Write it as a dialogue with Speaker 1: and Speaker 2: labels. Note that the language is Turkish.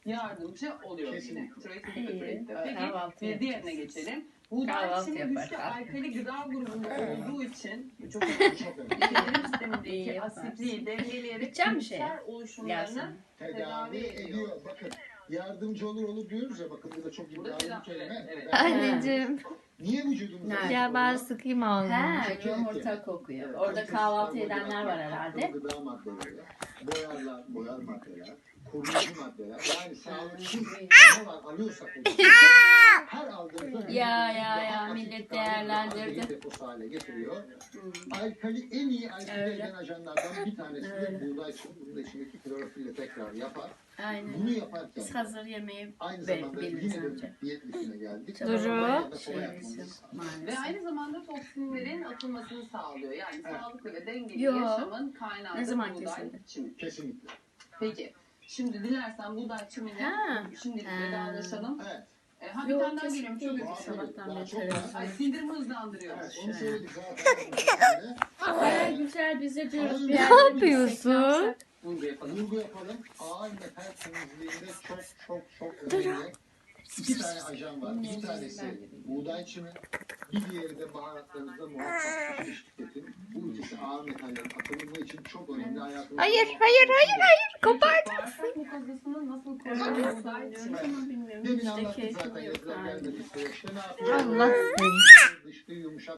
Speaker 1: yardımcı oluyor.
Speaker 2: Kesinlikle.
Speaker 1: Peki
Speaker 3: Kahvaltı
Speaker 1: bir diğerine geçelim. Buğday
Speaker 3: Kahvaltı
Speaker 1: içimi güçlü
Speaker 3: yaparlar.
Speaker 1: alkali gıda grubunda olduğu için bu çok önemli.
Speaker 2: Çok önemli.
Speaker 1: Sindirim
Speaker 3: İyi
Speaker 1: sistemindeki
Speaker 3: yaparsın.
Speaker 1: asitliği dengeleyerek
Speaker 3: Gideceğim bir şeye.
Speaker 1: ülker oluşumlarını
Speaker 2: Tedavi ediyor. Bakın yardımcı olur diyoruz ya, bakın bu da çok
Speaker 1: Burada
Speaker 2: iddialı bir
Speaker 1: tedavi-
Speaker 2: kelime.
Speaker 1: evet.
Speaker 4: Anneciğim.
Speaker 2: Niye vücudumuzda?
Speaker 3: Nerede?
Speaker 4: Ya ben sıkayım ağzını.
Speaker 3: Ha, yumurta kokuyor. Orada kahvaltı edenler var herhalde.
Speaker 2: Gıda maddeleri, boyar maddeler, koruyucu maddeler. Yani sağlıksız ne var alıyorsak her aldığımızda
Speaker 3: Ya, millet değerlendirdi.
Speaker 2: deposu hale getiriyor. Alkali en iyi alkali
Speaker 3: Öyle.
Speaker 2: eden ajanlardan bir tanesi de
Speaker 3: Öyle.
Speaker 2: buğday çimeni. Bunun da içindeki klorofille tekrar yapar.
Speaker 3: Aynen.
Speaker 2: Bunu yaparken
Speaker 3: Biz hazır yemeği
Speaker 2: aynı zamanda
Speaker 3: biliriz
Speaker 2: yine
Speaker 3: önce.
Speaker 2: de diyet listine geldik.
Speaker 4: Duru.
Speaker 2: Kolay
Speaker 3: Şey,
Speaker 2: yapmamız.
Speaker 1: Ve
Speaker 3: maalesef.
Speaker 1: aynı zamanda toksinlerin atılmasını sağlıyor. Yani sağlıklı ve dengeli
Speaker 3: Yo.
Speaker 1: yaşamın kaynağı
Speaker 3: Ne
Speaker 1: da
Speaker 3: zaman
Speaker 1: buğday
Speaker 3: kesildi?
Speaker 1: çimeni.
Speaker 2: Kesinlikle.
Speaker 1: Peki. Şimdi dilersen buğday çimeni
Speaker 3: Ha.
Speaker 1: şimdi
Speaker 3: Ha.
Speaker 1: vedalaşalım.
Speaker 2: Evet.
Speaker 1: Ha bir
Speaker 3: Yok,
Speaker 1: tane daha geliyorum. Çok
Speaker 3: kesinlikle.
Speaker 1: özür dilerim.
Speaker 3: Sabahtan
Speaker 2: Daha
Speaker 3: beri
Speaker 2: çok var.
Speaker 3: televizyon.
Speaker 1: Ay sindirimi hızlandırıyor.
Speaker 2: Evet, onu söyledik zaten.
Speaker 3: Ay güzel biz de diyoruz bir
Speaker 2: Ne
Speaker 3: yerlere
Speaker 4: yapıyorsun?
Speaker 3: gitsek,
Speaker 1: Vurgu yapalım.
Speaker 2: Vurgu yapalım. Ağır metal temizliğinde çok önemli. İki tane ajan var. Bir tanesi buğday çimi, bir diğeri de baharatlarınızda muhakkak pişmiş tüketin. Bu ikisi ağır metallerin atılımı için çok önemli. Hayatımızda
Speaker 4: Hayır.
Speaker 1: Kopart. Bağırsak mukozasını nasıl koruyor buğday çimeni?
Speaker 3: Ama bilmiyorum.
Speaker 2: Demin
Speaker 3: İşte
Speaker 2: anlattık
Speaker 3: keyfim
Speaker 2: zaten
Speaker 3: yok.
Speaker 2: yazılar
Speaker 3: Aynen.
Speaker 2: gelmedi. İşte ne yapıyor?
Speaker 4: Allah seni.
Speaker 2: Dışlı yumuşak